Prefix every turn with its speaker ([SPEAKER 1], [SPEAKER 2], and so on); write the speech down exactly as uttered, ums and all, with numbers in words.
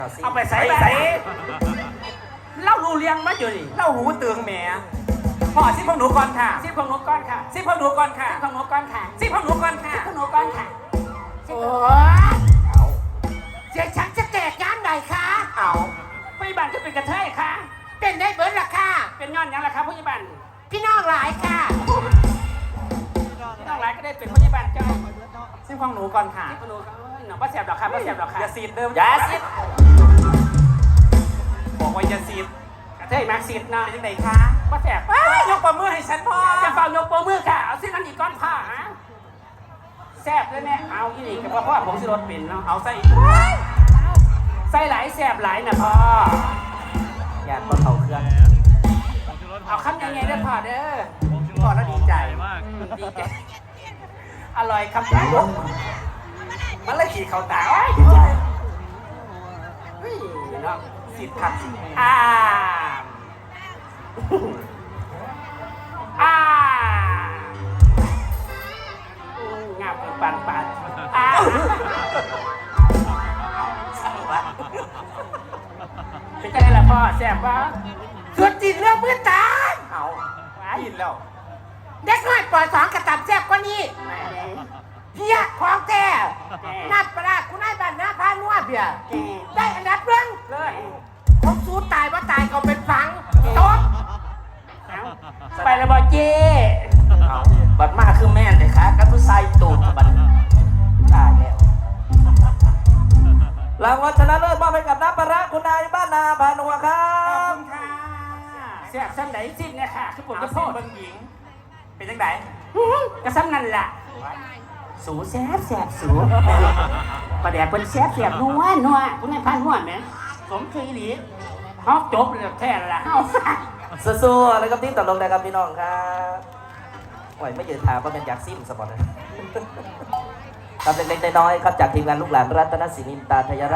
[SPEAKER 1] เอาไปใส่ใส่เล่ารู้เลี้ยงมาอยู่นี่
[SPEAKER 2] เล่าหูเตืองแหมพ่อซิพวกหนูก่อนค่ะ
[SPEAKER 1] ซิบของหนูก้อนค่ะ
[SPEAKER 2] ซิพวกหนูก่อนค่ะ
[SPEAKER 1] ซิบของหนูก้อนค่ะ
[SPEAKER 2] ซิพวกหนูก่อนค่ะ
[SPEAKER 1] ซิบของหนูก้อนค่ะ
[SPEAKER 3] โอ้เสียฉันจะแตกย้านไหนคะ
[SPEAKER 2] เอา
[SPEAKER 1] ผู้ใหญ่บ้านก็เป็นกระเทยค่ะ
[SPEAKER 3] เป็นได้เบิร์ดล่ะค่ะ
[SPEAKER 1] เป็นย้อนหยังล่ะครับผู้ใหญ่บ้าน
[SPEAKER 3] พี่น้องหลายค่ะ
[SPEAKER 1] น้องหลายก็ได้เป็นผู้ใหญ่บ้านเจ้า
[SPEAKER 2] ซิพวกหนูก่อนค่ะ
[SPEAKER 1] ซิบของหนูก้อนหนูว่าแสบดอกค่ะว่าแสบดอกค่ะ
[SPEAKER 2] อย่าซีดเดิม
[SPEAKER 1] อย่าซีด
[SPEAKER 2] บอกว่าอย่าซีด
[SPEAKER 1] กระเทยมากซีดเนาะ
[SPEAKER 2] เป็นยังไงคะ
[SPEAKER 1] ว่าแสบ
[SPEAKER 2] ว้ายยกปรบมือให้ฉันพ่อ
[SPEAKER 1] จะเฝ้ายกโปรมือค่ะเอาซินั้นอีกก้อนผ้าฮะแสบเลยแม่เอาอีนี่กับพ่อผมสิรถเป็นเนาะ
[SPEAKER 2] เอาใส่
[SPEAKER 1] ใส่หลายแสบหลายนะพ่อ
[SPEAKER 2] อย่าต้นเขาเครื่อง
[SPEAKER 1] เอาคำยังไงเด้อพ่อเด้อ
[SPEAKER 2] พ่อแล้วดีใจ
[SPEAKER 1] อืมดีใจอร่อยครับท่าน
[SPEAKER 2] มันเลยขี่เขาตา
[SPEAKER 1] เฮ้ยเนาะ
[SPEAKER 2] ซีดขัด
[SPEAKER 1] อ่าอ่าอืมงับปันปันอ่าเป็นไงล่ะพ่อแซ่บปะ
[SPEAKER 3] สุดจิตเรื่องมือตา
[SPEAKER 2] เอา
[SPEAKER 1] ว้า
[SPEAKER 2] กินแล้ว
[SPEAKER 3] เด็กน้อยปล่อยสองกระตับแซ่บกว่านี้เพียของแก่นัดประหลาดคุณนายบ้านหน้าพานัวเบียได้อันดับเรื่อง
[SPEAKER 1] เลย
[SPEAKER 3] ผมสู้ตายว่าตายก็เป็นฝังโต๊ะ
[SPEAKER 1] ไปแล้วบอเจ้
[SPEAKER 2] เอาบัดมาคือแม่นเลยค่ะกับผู้ชายตูดบัดตายแล้วรางวัลชนะเลิศมอบให้กับน้ำปลาร้าคุณนายบ้านนาพานัวครั
[SPEAKER 1] ขอบบ คุณค่ะแซ่บซ้ำไหนสิ้นเนี่ยค่ะคือผม
[SPEAKER 2] เอา
[SPEAKER 1] จะ
[SPEAKER 2] สิ
[SPEAKER 1] โทษ
[SPEAKER 2] เบิ่งหญิง เป็นจังได
[SPEAKER 1] กระซ้ำนั่นแหละสูแซ่บแซ่บสูประเดี๋ยวเป็นแซ่บแซ่บนัวนัวคุณนายพันนัวไหมสมคืออีหลีฮอกจบเลยแท้ละเฮา
[SPEAKER 2] สู้ๆแล้วก็ทีมตลกนะครับพี่น้องครับโอ้ยไม่ยืนถามว่าเป็นอยากซิมสปอร์ตเลยครับเล็กๆน้อยๆครับจากทีมงานลูกหลานรัตนศินินตาทยราช